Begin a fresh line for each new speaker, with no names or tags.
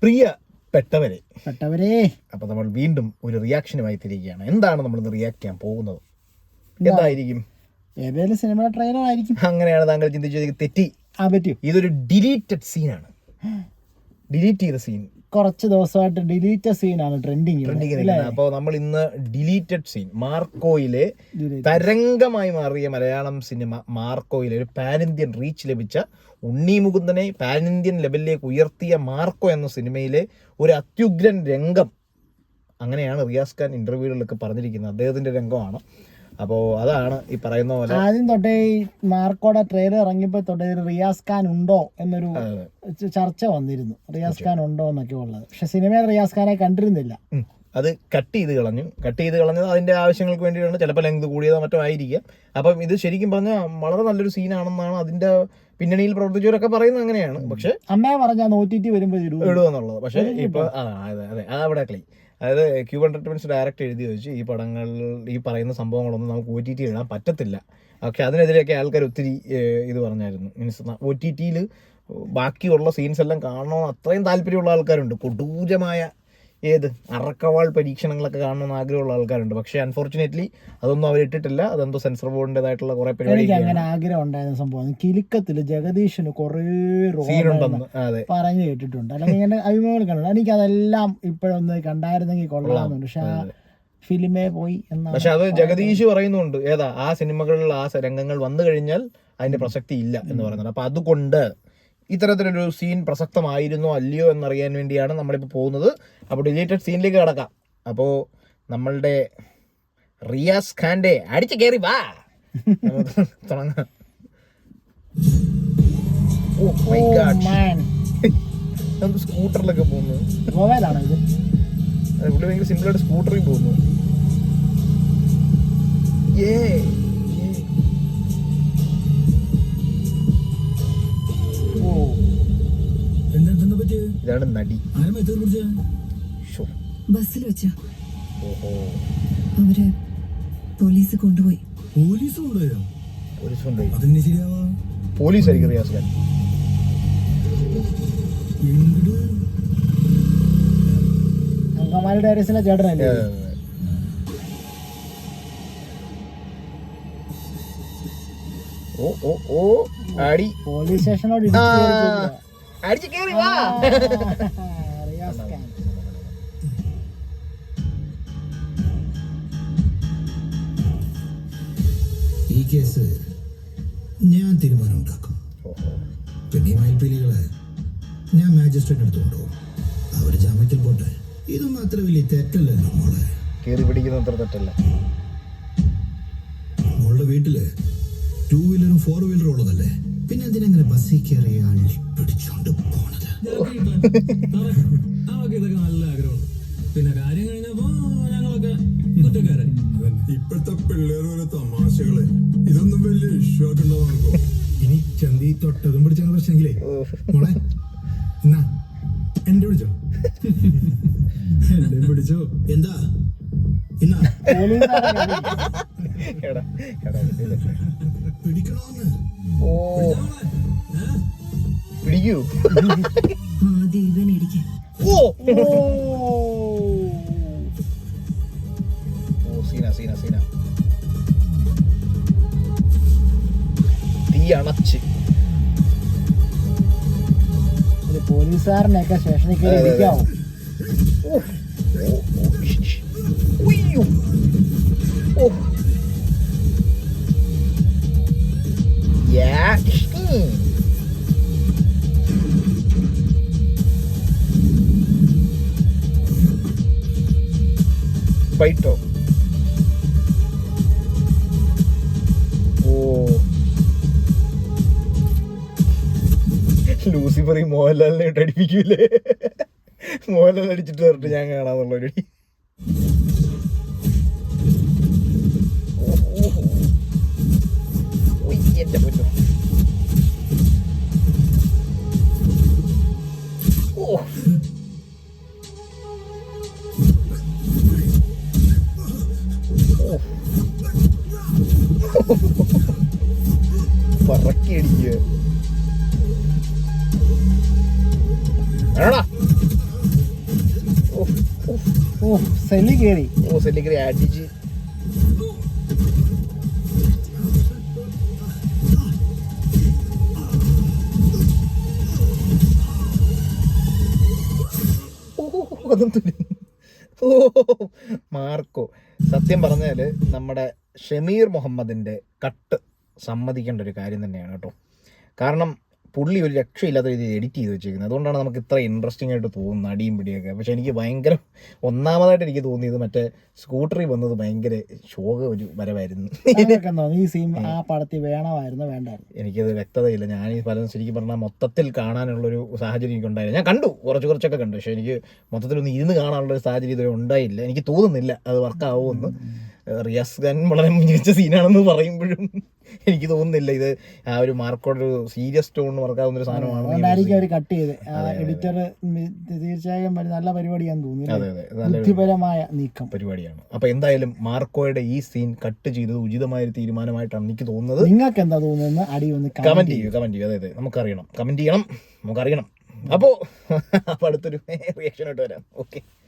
പ്രിയപ്പെട്ടവരെ
അപ്പൊ
നമ്മൾ വീണ്ടും ഒരു റിയാക്ഷനുമായി തിരിക്കുകയാണ്. എന്താണ് നമ്മൾ ഇന്ന് റിയാക്ട് ചെയ്യാൻ പോകുന്നത്? എന്തായിരിക്കും?
ഏതെങ്കിലും സിനിമ ട്രെയിലർ ആയിരിക്കും.
അങ്ങനെയാണ് താങ്കൾ ചിന്തിച്ചത്. തെറ്റി. ഇതൊരു ഡിലീറ്റഡ് സീനാണ്. ഡിലീറ്റ് ചെയ്ത സീൻ.
കുറച്ച് ദിവസമായിട്ട് ഡിലീറ്റഡ് സീനാണ് ട്രെൻഡിങ്.
അപ്പോൾ നമ്മൾ ഇന്ന് ഡിലീറ്റഡ് സീൻ, മാർക്കോയിലെ തരംഗമായി മാറിയ മലയാളം സിനിമ മാർക്കോയിലെ ഒരു പാൻ ഇന്ത്യൻ റീച്ച് ലഭിച്ച, ഉണ്ണി മുകുന്ദനെ പാൻ ഇന്ത്യൻ ലെവലിലേക്ക് ഉയർത്തിയ മാർക്കോ എന്ന സിനിമയിലെ ഒരു അത്യുഗ്രൻ രംഗം, അങ്ങനെയാണ് റിയാസ് ഖാൻ ഇന്റർവ്യൂകളിലൊക്കെ പറഞ്ഞിരിക്കുന്നത്, അദ്ദേഹത്തിന്റെ രംഗമാണ്. അപ്പോൾ അതാണ് ഈ പറയുന്ന പോലെ
ആദ്യം തൊട്ടേ മാർക്കോയുടെ ട്രെയിലർ ഇറങ്ങിയപ്പോൾ തൊട്ടേ റിയാസ് ഖാൻ ഉണ്ടോ എന്നൊരു ചർച്ച വന്നിരുന്നു. റിയാസ് ഖാൻ ഉണ്ടോ എന്നൊക്കെ ഉള്ളത്. പക്ഷെ സിനിമയിൽ റിയാസ് ഖാനെ കണ്ടിരുന്നില്ല.
അത് കട്ട് ചെയ്ത് കളഞ്ഞത് അതിന്റെ ആവശ്യങ്ങൾക്ക് വേണ്ടിയിട്ടാണ്. ചിലപ്പോൾ ലെങ്ത് കൂടിയതോ മറ്റോ ആയിരിക്കാം. അപ്പം ഇത് ശരിക്കും പറഞ്ഞാൽ വളരെ നല്ലൊരു സീനാണെന്നാണ് അതിന്റെ പിന്നണിയിൽ പ്രവർത്തിച്ചവരൊക്കെ പറയുന്നത്. അങ്ങനെയാണ്. പക്ഷെ
അമ്മയെ പറഞ്ഞാൽ OTT വരുമ്പോൾ
ഇടുമെന്നുള്ളത്. പക്ഷെ ഇപ്പൊ അതെ അവിടെ ക്ലീ, അതായത് ക്യൂബ് എന്റർടൈൻമെന്റ്സ് ഡയറക്റ്റ് എഴുതി വെച്ച് ഈ പടങ്ങൾ, ഈ പറയുന്ന സംഭവങ്ങളൊന്നും നമുക്ക് OTT ഇടാൻ പറ്റത്തില്ല. പക്ഷെ അതിനെതിരെയൊക്കെ ആൾക്കാർ ഒത്തിരി ഇത് പറഞ്ഞായിരുന്നു. മീൻസ് OTT ബാക്കിയുള്ള സീൻസ് എല്ലാം കാണണമെന്ന് അത്രയും താല്പര്യമുള്ള ആൾക്കാരുണ്ട്. കൊടൂരമായ അറക്കവാൾ പരീക്ഷണങ്ങളൊക്കെ കാണണമെന്ന് ആഗ്രഹമുള്ള ആൾക്കാരുണ്ട്. പക്ഷെ അൺഫോർച്ചുനേറ്റ്ലി അതൊന്നും അവർ ഇട്ടിട്ടില്ല. അതെന്തോ സെൻസർ ബോർഡിൻ്റെതായിട്ടുള്ള കുറെ പരിപാടി.
അങ്ങനെ ആഗ്രഹം ഉണ്ടായിരുന്ന സംഭവം കിലുക്കത്തില് ജഗദീഷിന് കുറെ സീനുണ്ടെന്ന് പറഞ്ഞു കേട്ടിട്ടുണ്ട്. അല്ലെങ്കിൽ ഇങ്ങനെ അഭിമുഖങ്ങൾ കണ്ടു. എനിക്ക് അതെല്ലാം ഇപ്പോഴൊന്ന് കണ്ടായിരുന്നെങ്കിൽ കൊള്ളാമെന്നുണ്ട്. പക്ഷെ ആ ഫിലിമേ പോയി എന്നാണ്.
പക്ഷെ അത് ജഗദീഷ് പറയുന്നുണ്ട്. ആ സിനിമകളിൽ ആ രംഗങ്ങൾ വന്നു കഴിഞ്ഞാൽ അതിന്റെ പ്രസക്തി ഇല്ല എന്ന് പറയുന്നുണ്ട്. അപ്പൊ അതുകൊണ്ട് ഇത്തരത്തിലൊരു സീൻ പ്രസക്തമായിരുന്നോ അല്ലയോ എന്നറിയാൻ വേണ്ടിയാണ് നമ്മളിപ്പോൾ പോകുന്നത്. അപ്പോൾ ഡിലീറ്റഡ് സീനിലേക്ക് കിടക്കാം. അപ്പോൾ നമ്മളുടെ റിയാസ് ഖാന്റെ അടിച്ചു കയറി വാ തുടങ്ങാം. സ്കൂട്ടറിലൊക്കെ പോകുന്നു. പുള്ളി ഭയങ്കര സിമ്പിളായിട്ട് സ്കൂട്ടറിൽ പോകുന്നു. ഇതാണ് നടി.
ബസ്സിൽ വെച്ച അവര് പോലീസ് കൊണ്ടുപോയി.
പോലീസ് ആയിരിക്കും റിയാസ് ഖാൻ.
അങ്കമാലി ഡയറീസിലെ ചേട്ടനല്ലേ?
അടി
പോലീസ് സ്റ്റേഷനോട്
അടിച്ചു കയറി വാ.
ഈ കേസ് ഞാൻ തീരുമാനം ഉണ്ടാക്കും. പിന്നെ ഈ മയിൽപ്പീലികളെ ഞാൻ മാജിസ്ട്രേറ്റ് അടുത്ത് കൊണ്ടുപോകും. അവര് ജാമ്യത്തിൽ പോട്ടെ. ഇതൊന്നും അത്ര വലിയ തെറ്റല്ലല്ലോ മോളെ.
കേറി പിടിക്കുന്ന അത്ര തെറ്റല്ല.
മോളുടെ വീട്ടില് 2 വീലറും 4 വീലറും ഉള്ളതല്ലേ. പിന്നെ എന്തിനെങ്ങനെ ബസ്സിൽ കയറി അള്ളി പിടിച്ചോണ്ട് പോണത്?
ഇതൊക്കെ നല്ല ആഗ്രഹമുണ്ട്. പിന്നെ കാര്യം കഴിഞ്ഞപ്പോ ഞങ്ങളൊക്കെ കുറ്റക്കാരായി.
ഇപ്പോഴത്തെ പിള്ളേരുടെ തമാശകള് ഇതൊന്നും വലിയ ഇഷ്യൂ ആക്കണ്ടാവും. ഇനി ചന്തി തൊട്ടതും പിടിച്ച പ്രശ്നമെങ്കിലേ മോളെ എന്നാ എന്റെ പിടിച്ചോ, എന്റെ പിടിച്ചോ. എന്താ എന്നാ പിടിക്കണോന്ന്
പിടിക്കൂ.
ആദ്യം ഇവനിടിക്ക്.
സീന തീ അണച്ച്
പോലീസുകാരനെയൊക്കെ സ്റ്റേഷനിൽ കയറി ഇരിക്കാവോ?
ഫൈറ്റോ? ലൂസിഫർ ഈ മോഹൻലാലിനെ ഇട്ട് അടിപ്പിക്കൂലേ? മോഹൻലാൽ അടിച്ചിട്ട് വരട്ടെ ഞാൻ കാണാന്നുള്ളൊരു. എന്റെ പൊന്നു. പറക്കി അടിക്കുക.
ഓ സെല്ലി കയറി.
ഓ സെല്ലിക്കറി അടിച്ച് ഓ മാർക്കോ. സത്യം പറഞ്ഞാൽ നമ്മുടെ ഷമീർ മുഹമ്മദിൻ്റെ കട്ട് സമ്മതിക്കേണ്ട ഒരു കാര്യം തന്നെയാണ് കേട്ടോ. കാരണം പുള്ളി ഒരു രക്ഷയില്ലാത്ത രീതിയിൽ എഡിറ്റ് ചെയ്ത് വെച്ചിരിക്കുന്നത്. അതുകൊണ്ടാണ് നമുക്ക് ഇത്ര ഇൻട്രസ്റ്റിംഗ് ആയിട്ട് തോന്നുന്നത് അടിയും പിടിയൊക്കെ. പക്ഷെ എനിക്ക് ഭയങ്കര ഒന്നാമതായിട്ട് എനിക്ക് തോന്നിയത് മറ്റേ സ്കൂട്ടറിൽ വന്നത് ഭയങ്കര ശോക ഒരു വരവായിരുന്നു.
ഈ സീൻ ആ പടത്തിൽ വേണമായിരുന്നു വേണ്ടായിരുന്നു.
എനിക്കത് വ്യക്തതയില്ല. ഞാൻ ഈ പലതും ശരിക്കും പറഞ്ഞാൽ മൊത്തത്തിൽ കാണാനുള്ളൊരു സാഹചര്യം എനിക്ക് ഉണ്ടായില്ല. ഞാൻ കണ്ടു, കുറച്ചൊക്കെ കണ്ടു. പക്ഷെ എനിക്ക് മൊത്തത്തിലൊന്ന് ഇരുന്ന് കാണാനുള്ളൊരു സാഹചര്യം ഇതുവരെ ഉണ്ടായില്ല. എനിക്ക് തോന്നുന്നില്ല അത് വർക്കാവുമെന്ന്. റിയാസ് ഖാൻ വളരെ മികച്ച സീനാണെന്ന് പറയുമ്പോഴും എനിക്ക് തോന്നുന്നില്ല ഇത് ആ ഒരു മാർക്കോടെ ഒരു സീരിയസ് ടോണിന് വർക്കാവുന്ന ഒരു
സാധനമാണ് അവർ കട്ട് ചെയ്ത്. എഡിറ്റർ തീർച്ചയായും നല്ല പരിപാടിയാന്ന് തോന്നുന്നു. ബുദ്ധിപരമായ നീക്കം
പരിപാടിയാണ്. അപ്പൊ എന്തായാലും മാർക്കോയുടെ ഈ സീൻ കട്ട് ചെയ്തത് ഉചിതമായ ഒരു തീരുമാനമായിട്ടാണ് എനിക്ക് തോന്നുന്നത്.
നിങ്ങൾക്ക് എന്താ തോന്നുന്നത്? അടി ഒന്ന്
കമന്റ് ചെയ്യൂ. അതെ നമുക്കറിയണം, കമന്റ് ചെയ്യണം, നമുക്കറിയണം. അപ്പോൾ അടുത്തൊരു റിയാക്ഷനായിട്ട് വരാം. ഓക്കെ.